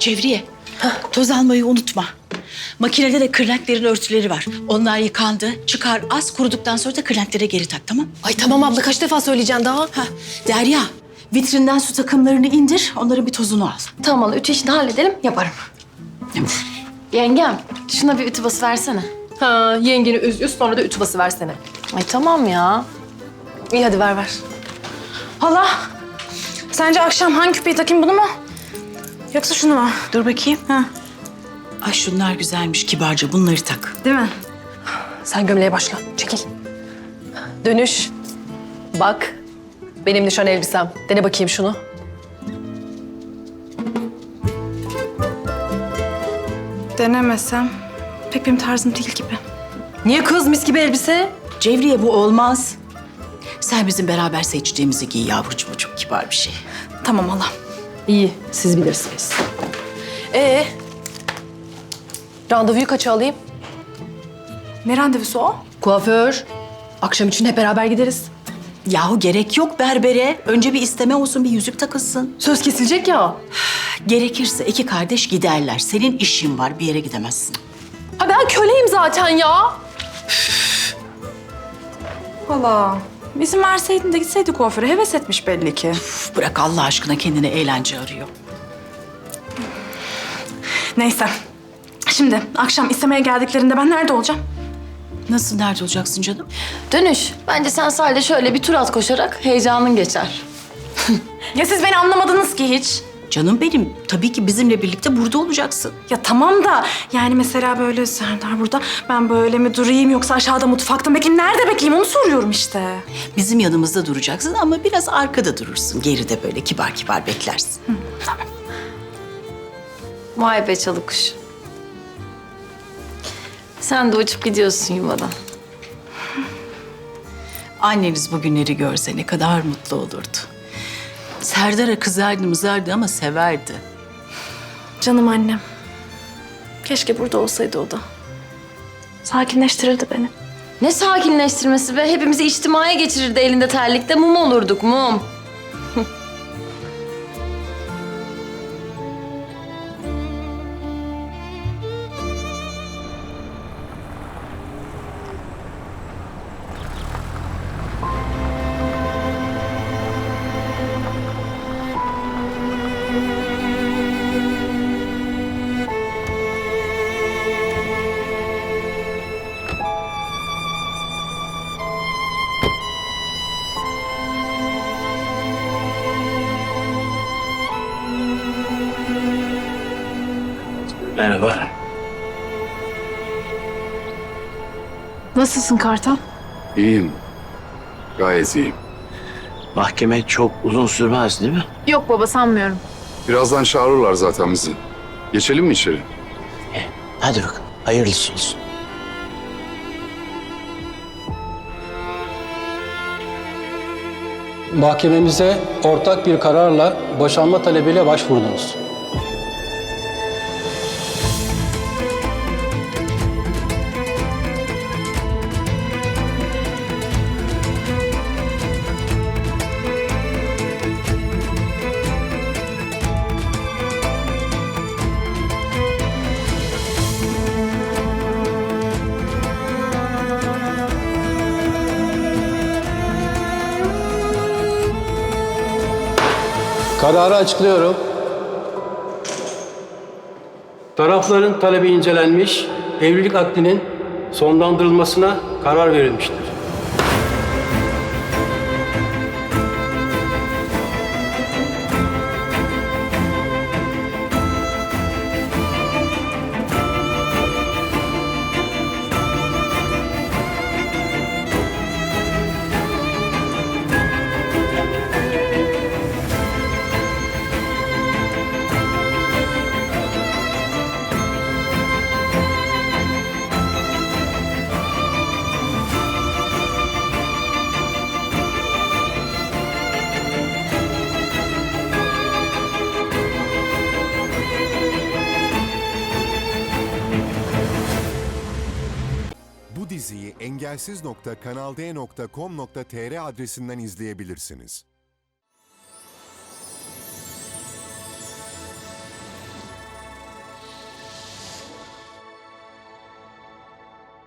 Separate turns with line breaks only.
Cevriye, toz almayı unutma. Makinede de kırlentlerin örtüleri var. Onlar yıkandı. Çıkar az, kuruduktan sonra da kırlentlere geri tak, tamam?
Ay tamam abla, kaç defa söyleyeceksin daha?
Ha, Derya, vitrinden su takımlarını indir. Onların bir tozunu al.
Tamam abla, ütü işini halledelim, yaparım. Yengem, şuna bir ütü bası versene. Ha, yengeni üz sonra da ütü bası versene. Ay tamam ya. İyi hadi ver.
Hala, sence akşam hangi küpeyi takayım, bunu mu? Yoksa şunu mu?
Dur bakayım. Ay şunlar güzelmiş kibarca. Bunları tak.
Değil mi?
Sen gömleğe başla, çekil. Dönüş. Bak, benim nişan elbisem. Dene bakayım şunu.
Denemesem pek benim tarzım değil gibi.
Niye kız, mis gibi elbise?
Cevriye bu olmaz. Sen bizim beraber seçtiğimizi giy yavrucuğum. O çok kibar bir şey.
Tamam hala.
İyi, siz bilirsiniz. Randevuyu kaça alayım?
Ne randevusu o?
Kuaför. Akşam için hep beraber gideriz.
Yahu gerek yok berbere. Önce bir isteme olsun, bir yüzük takılsın.
Söz kesilecek ya.
Gerekirse iki kardeş giderler. Senin işin var, bir yere gidemezsin.
Ha ben köleyim zaten ya.
Hala, izin verseydin de gitseydi kuaföre. Heves etmiş belli ki.
Üf, bırak Allah aşkına, kendine eğlence arıyor.
Neyse. Şimdi akşam istemeye geldiklerinde ben nerede olacağım?
Nasıl, nerede olacaksın canım?
Dönüş. Bence sen sahilde şöyle bir tur at koşarak heyecanın geçer.
Ya siz beni anlamadınız ki hiç.
Canım benim, tabii ki bizimle birlikte burada olacaksın.
Ya tamam da yani mesela böyle Serdar burada, ben böyle mi durayım yoksa aşağıda mutfakta mı bekleyeyim? Nerede bekleyeyim onu soruyorum işte.
Bizim yanımızda duracaksın ama biraz arkada durursun. Geride böyle kibar kibar beklersin.
Tamam.
Vay be çalı kuş. Sen de uçup gidiyorsun yuvadan.
Anneniz bugünleri görse ne kadar mutlu olurdu. Serdar'a kızardı mızardı ama severdi.
Canım annem. Keşke burada olsaydı o da. Sakinleştirirdi beni.
Ne sakinleştirmesi be? Hepimizi içtimaya geçirirdi elinde terlikte. Mum olurduk, mum.
Merhaba.
Nasılsın Kartal?
İyiyim. Gayet iyiyim. Mahkeme çok uzun sürmez değil mi?
Yok baba, sanmıyorum.
Birazdan çağırırlar zaten bizi. Geçelim mi içeri?
Hadi bakalım. Hayırlısı olsun.
Mahkememize ortak bir kararla boşanma talebiyle başvurdunuz. Kararı açıklıyorum. Tarafların talebi incelenmiş, evlilik akdinin sonlandırılmasına karar verilmiştir.
Bu diziyi engelsiz.kanalde.com.tr adresinden izleyebilirsiniz.